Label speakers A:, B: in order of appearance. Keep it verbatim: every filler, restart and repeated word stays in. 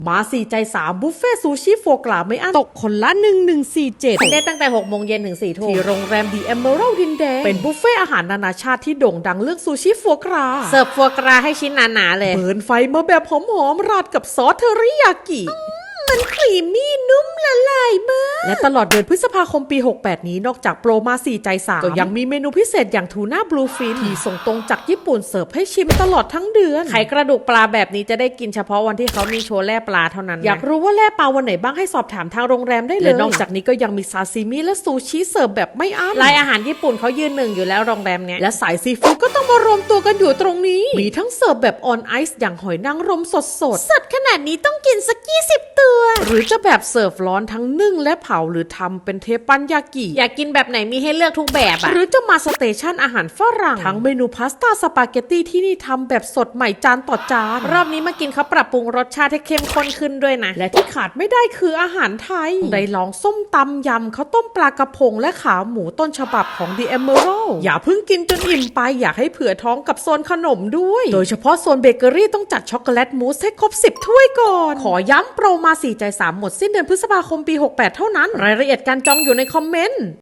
A: มาสี่ใจสามบุฟเฟ่ซูชิโฟกราไม่อั้นตกคนละหนึ่งพันหนึ่งร้อยสี่สิบเจ็ดได้ตั้งแต่หกโมงเย็นถึงสี่ทุ่มที่โรงแรมดีเอเมอรัลดินแดงเป็นบุฟเฟ่อาหารนานาชาติที่โด่งดังเรื่องซูชิโฟกราเสิร์ฟโฟกราให้ชิ้นหนาๆเลยเบิร์นไฟมาแบบหอมๆราดกับซอสเทอริยากิมันครีมมี่นุ่มละลายมากและตลอดเดือนพฤษภาคมปีหกแปดนี้นอกจากโปรมาสี่ใจสามก็ยังมีเมนูพิเศษอย่างทูน่าบลูฟินที่ส่งตรงจากญี่ปุ่นเสิร์ฟให้ชิมตลอดทั้งเดือนไข่กระดูกปลาแบบนี้จะได้กินเฉพาะวันที่เขามีโชว์แล่ปลาเท่านั้นอยากรู้ว่าแล่ปลาวันไหนบ้างให้สอบถามทางโรงแรมได้เลยและนอกจากนี้ก็ยังมีซาซิมิและซูชิเสิร์ฟแบบไม่อั้นรายอาหารญี่ปุ่นเขายืนหนึ่งอยู่แล้วโรงแรมเนี้ยและสายซีฟู้ดก็ต้องมารวมตัวกันอยู่ตรงนี้มีทั้งเสิร์ฟแบบออนไอซ์อย่างหอยนางรมสดสดสดขนาดนี้ต้องกินสักยี่สิบตัวหรือจะแบบเสิร์ฟร้อนทั้งนึ่งและเผาหรือทำเป็นเทปันยากิอยากกินแบบไหนมีให้เลือกทุกแบบอะหรือจะมาสเตชันอาหารฝรั่งทั้งเมนูพาสต้าสปาเกตตี้ที่นี่ทำแบบสดใหม่จานต่อจานรอบนี้มากินเขาปรับปรุงรสชาติให้เข้มข้นขึ้นด้วยนะและที่ขาดไม่ได้คืออาหารไทยได้ลองส้มตำยำข้าวต้มปลากระพงและขาหมูต้นฉบับของ The Emerald อย่าเพิ่งกินจนอิ่มไปอยากให้เผื่อท้องกับโซนขนมด้วยโดยเฉพาะโซนเบเกอรี่ต้องจัดช็อกโกแลตมูสให้ครบสิบถ้วยก่อนขอย้ำโปรมาสี่ใจสามหมดสิ้นเดือนพฤษภาคมปีหกแปดเท่านั้นรายละเอียดการจองอยู่ในคอมเมนต์